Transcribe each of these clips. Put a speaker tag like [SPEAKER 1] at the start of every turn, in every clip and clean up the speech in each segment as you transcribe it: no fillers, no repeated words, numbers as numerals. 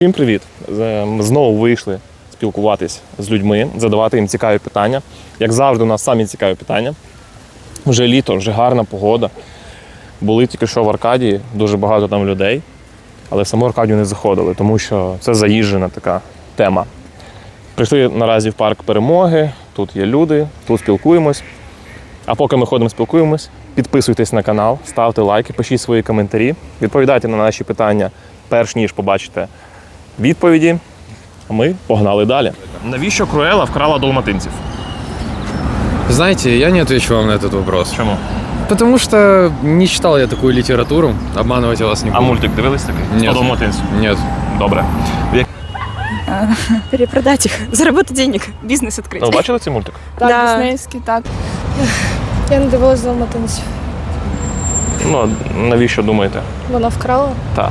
[SPEAKER 1] Всім привіт! Ми знову вийшли спілкуватись з людьми, задавати їм цікаві питання. Як завжди, у нас самі цікаві питання. Вже літо, вже гарна погода. Були тільки що в Аркадії, дуже багато там людей, але в саму Аркадію не заходили, тому що це заїжджена така тема. Прийшли наразі в парк Перемоги, тут є люди, тут спілкуємось. А поки ми ходимо спілкуємось, підписуйтесь на канал, ставте лайки, пишіть свої коментарі, відповідайте на наші питання, перш ніж побачите відповіді, а ми погнали далі. Навіщо Круела вкрала далматинців?
[SPEAKER 2] Знаете, я не отвечу вам на этот вопрос.
[SPEAKER 1] Чому?
[SPEAKER 2] Потому что не читал я такую литературу, обманывать я вас не
[SPEAKER 1] А
[SPEAKER 2] буду.
[SPEAKER 1] мультик дивились такий?
[SPEAKER 2] Ні.
[SPEAKER 1] 100 далматинців?
[SPEAKER 2] Нет.
[SPEAKER 1] Добре.
[SPEAKER 3] Перепродать их, заработать денег, бизнес открыть.
[SPEAKER 1] Ну, бачили цей мультик?
[SPEAKER 4] Так,
[SPEAKER 3] Да.
[SPEAKER 4] диснеївський, так. Я не дивилась «Далматинців».
[SPEAKER 1] Ну, навіщо думаєте?
[SPEAKER 4] Вона вкрала.
[SPEAKER 1] Так.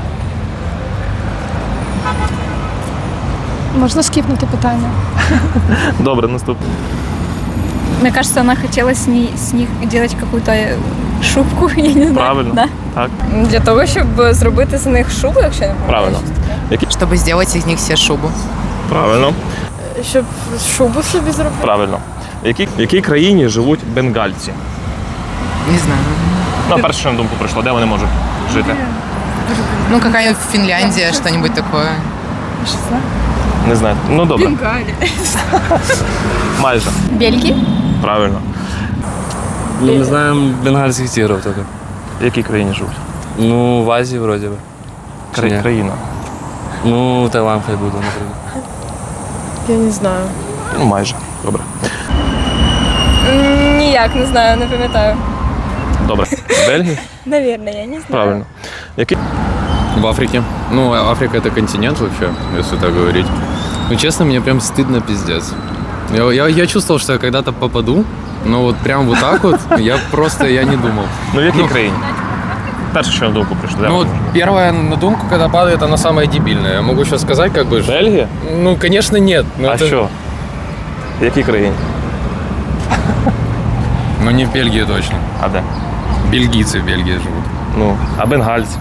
[SPEAKER 4] Можна скіпнути питання?
[SPEAKER 1] Добре, наступне.
[SPEAKER 5] Мне кажется, она хотела с них делать какую-то шубку, я не знаю.
[SPEAKER 1] Правильно.
[SPEAKER 5] Да.
[SPEAKER 1] Так,
[SPEAKER 3] Для того, щоб зробити з них шубу, якщо я не помиляюсь.
[SPEAKER 1] правильно.
[SPEAKER 6] Чтобы сделать из них все шубу.
[SPEAKER 1] Правильно.
[SPEAKER 4] Щоб шубу собі зробити?
[SPEAKER 1] Правильно. В якій країні живуть бенгальці?
[SPEAKER 6] Не знаю.
[SPEAKER 1] Ну, перше, що на думку прийшло, де вони можуть жити?
[SPEAKER 6] Ну, какая-нибудь Финляндия, что-нибудь такое.
[SPEAKER 1] Не знаю. Ну, добре. Майже.
[SPEAKER 5] Бельгии?
[SPEAKER 1] Правильно.
[SPEAKER 7] Ну, мы знаем бенгальских тигров только.
[SPEAKER 1] В якій країні живуть?
[SPEAKER 7] Ну, в Азии вроде бы. Ні.
[SPEAKER 1] Країна.
[SPEAKER 7] Ну, Таиланд хай буде, наприклад.
[SPEAKER 4] Я не знаю.
[SPEAKER 1] Ну, майже. Добре.
[SPEAKER 3] Ніяк, не знаю, не пам'ятаю.
[SPEAKER 1] Добре. Бельгія?
[SPEAKER 3] Навірно, я не знаю.
[SPEAKER 1] Правильно. Який?
[SPEAKER 2] В Африке. Ну, Африка это континент вообще, если так говорить. Ну, честно, мне прям стыдно пиздец. Я чувствовал, что я когда-то попаду, но вот прям вот так вот я не думал.
[SPEAKER 1] Ну, в якій країні? Перше, що на думку прийшло. Де
[SPEAKER 2] Ну, вот
[SPEAKER 1] вони можуть?
[SPEAKER 2] первая на думку, когда падает, она самая дебильная. Я могу сейчас сказать, как бы...
[SPEAKER 1] Бельгія?
[SPEAKER 2] Ну, конечно, нет. но
[SPEAKER 1] А
[SPEAKER 2] это-
[SPEAKER 1] що? В якій країні?
[SPEAKER 2] Ну, не в Бельгии точно.
[SPEAKER 1] А де?
[SPEAKER 2] Бельгийцы в Бельгии живут.
[SPEAKER 1] Ну, а бенгальці?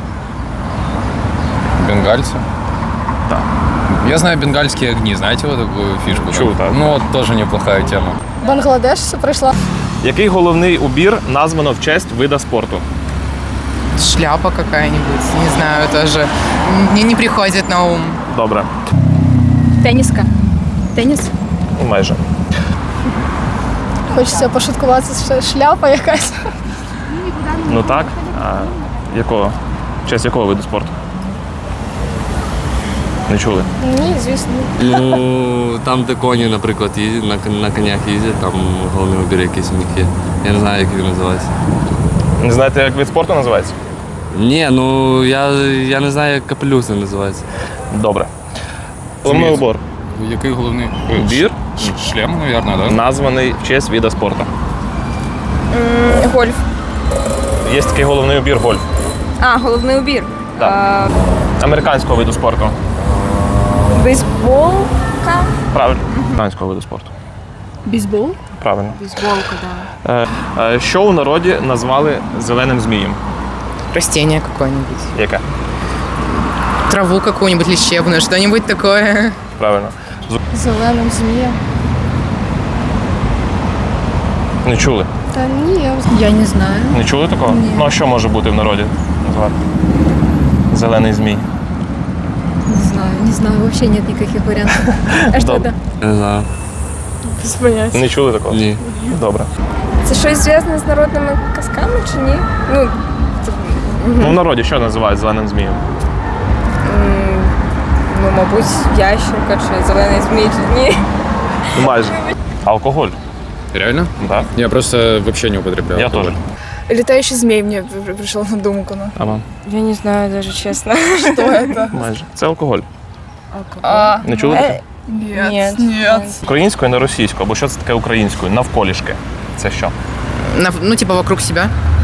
[SPEAKER 2] Бенгальцы?
[SPEAKER 1] Да.
[SPEAKER 2] Я знаю бенгальские огни, знаете вот такую фишку? там?
[SPEAKER 1] Чего так?
[SPEAKER 2] Ну, вот тоже неплохая тема.
[SPEAKER 4] Бангладеш все прийшла.
[SPEAKER 1] Який головний убір названо в честь вида спорту?
[SPEAKER 6] Шляпа какая-нибудь, не знаю, тоже мне не приходит на ум.
[SPEAKER 1] Добре.
[SPEAKER 5] Тенниска. Теннис?
[SPEAKER 1] Ну, майже.
[SPEAKER 4] Хочеться пошуткувати, що шляпа якась.
[SPEAKER 1] Ну так. А якого? В честь якого виду спорту? Не чули?
[SPEAKER 4] Ні, звісно.
[SPEAKER 7] Ну, там, де коні, наприклад, їздять, на конях їздять, там головний убір якийсь у них є. Я не знаю, як він називається.
[SPEAKER 1] Не знаєте, як вид спорту називається?
[SPEAKER 7] Ні, ну я не знаю, як капелюх це називається.
[SPEAKER 1] Добре. Головний убор.
[SPEAKER 2] Який головний?
[SPEAKER 1] Убір
[SPEAKER 2] Шлем, наверное, да?
[SPEAKER 1] названий в честь вида спорту.
[SPEAKER 3] Гольф.
[SPEAKER 1] Є такий головний убір гольф.
[SPEAKER 3] А, головний убір.
[SPEAKER 1] Так. Американського виду спорту.
[SPEAKER 3] Бейсболка.
[SPEAKER 1] Правильно. Американського виду спорту.
[SPEAKER 4] Бейсбол?
[SPEAKER 1] Правильно.
[SPEAKER 6] Бейсболка, да.
[SPEAKER 1] Що у народі назвали зеленим змієм?
[SPEAKER 6] Растение какое-нибудь.
[SPEAKER 1] Яке?
[SPEAKER 6] Траву какую-нибудь лечебную, что-нибудь такое.
[SPEAKER 1] Правильно.
[SPEAKER 4] Зеленим змієм.
[SPEAKER 1] Не чули?
[SPEAKER 4] Та ні,
[SPEAKER 5] Я не знаю.
[SPEAKER 1] Не чули такого?
[SPEAKER 5] Ні.
[SPEAKER 1] Ну а що може бути в народі назвати? Зелений змій.
[SPEAKER 5] Не знаю, вообще нет никаких вариантов. А что
[SPEAKER 1] Добре.
[SPEAKER 5] это?
[SPEAKER 7] Я не знаю.
[SPEAKER 4] без поняття.
[SPEAKER 1] Не чули такого?
[SPEAKER 7] Ні.
[SPEAKER 1] Добре.
[SPEAKER 3] Це щось зв'язане з народними казками чи ні? Ну,
[SPEAKER 1] Ну в народі що називають зеленим змієм?
[SPEAKER 3] ну, мабуть, ящерка чи зелений змій, чи ні.
[SPEAKER 1] Ну, майже. Алкоголь.
[SPEAKER 2] Реально?
[SPEAKER 1] Так.
[SPEAKER 2] Я просто вообще не употребляю.
[SPEAKER 1] Я
[SPEAKER 2] алкоголь.
[SPEAKER 1] теж.
[SPEAKER 4] Літаючий змій мені прийшов на думку. Ну.
[SPEAKER 1] А вам?
[SPEAKER 3] Я не знаю, даже чесно.
[SPEAKER 4] Що це?
[SPEAKER 1] Майже. Це алкоголь.
[SPEAKER 3] А,
[SPEAKER 1] Не чули таке?
[SPEAKER 3] ні.
[SPEAKER 1] Українською, не російською, або що це таке українською? Навколішки. Це що?
[SPEAKER 6] Ну, типа вокруг себя.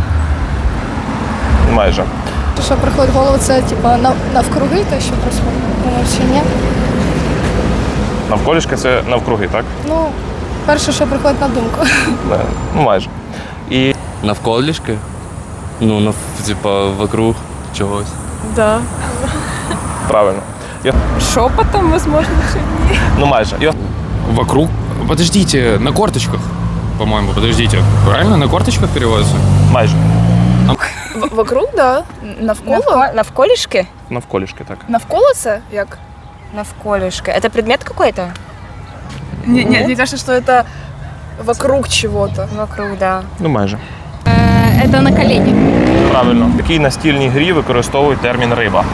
[SPEAKER 1] Майже.
[SPEAKER 4] Що приходить в голову, це типа навкруги, те, що происходить. Чи ні?
[SPEAKER 1] Навколішки це навкруги, так?
[SPEAKER 4] Ну, перше, що приходить на думку.
[SPEAKER 1] Да. Ну майже. І
[SPEAKER 7] Навколішки? Ну, типа, вокруг чогось.
[SPEAKER 4] Да.
[SPEAKER 1] правильно.
[SPEAKER 3] Шепотом, возможно, чи ні.
[SPEAKER 1] Ну майже.
[SPEAKER 2] Вокруг? Подождите, на корточках, по-моему, подождите. Правильно, на корточках переводится?
[SPEAKER 1] Майже.
[SPEAKER 3] Вокруг, да. Навколо?
[SPEAKER 8] Навколішки?
[SPEAKER 1] Навколішки, так.
[SPEAKER 3] Навколо це як?
[SPEAKER 8] Навколішки. Это предмет какой-то?
[SPEAKER 3] Ні, мне кажется, что это вокруг чего-то.
[SPEAKER 8] Вокруг, да.
[SPEAKER 1] Ну майже.
[SPEAKER 5] Это на колени.
[SPEAKER 1] Правильно. В якій настільній грі використовують термін риба?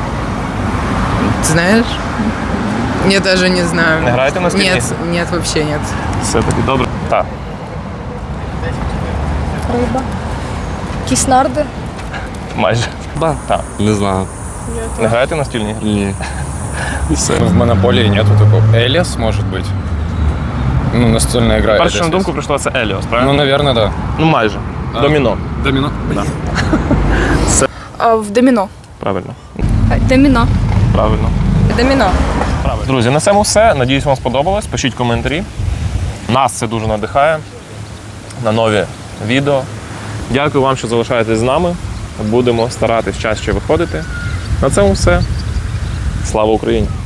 [SPEAKER 6] Ты знаешь? Я даже не знаю.
[SPEAKER 1] Не граєте на стільні?
[SPEAKER 6] Нет, нет, вообще нет.
[SPEAKER 1] Все таки добре. Так.
[SPEAKER 4] Риба. Якісь нарди.
[SPEAKER 1] Майже.
[SPEAKER 7] Ба?
[SPEAKER 1] Так.
[SPEAKER 7] Не знаю.
[SPEAKER 1] Не граєте на стільні грі?
[SPEAKER 7] Ні.
[SPEAKER 1] Все.
[SPEAKER 2] В Монополии нету такого. Элис, может быть? Ну, настольная игра.
[SPEAKER 1] Перше, що на
[SPEAKER 2] Элис.
[SPEAKER 1] думку прийшло, це Еліос,
[SPEAKER 2] Ну,
[SPEAKER 1] правильно?
[SPEAKER 2] наверное, да.
[SPEAKER 1] Ну майже. Доміно.
[SPEAKER 2] Домино?
[SPEAKER 3] А в доміно.
[SPEAKER 1] Правильно.
[SPEAKER 5] Домино.
[SPEAKER 1] Правильно.
[SPEAKER 3] Доміно.
[SPEAKER 1] Правильно. Друзі, на цьому все. Надіюсь, вам сподобалось. Пишіть коментарі. Нас це дуже надихає на нові відео. Дякую вам, що залишаєтесь з нами. Будемо старатись чаще виходити. На цьому все. Слава Україні!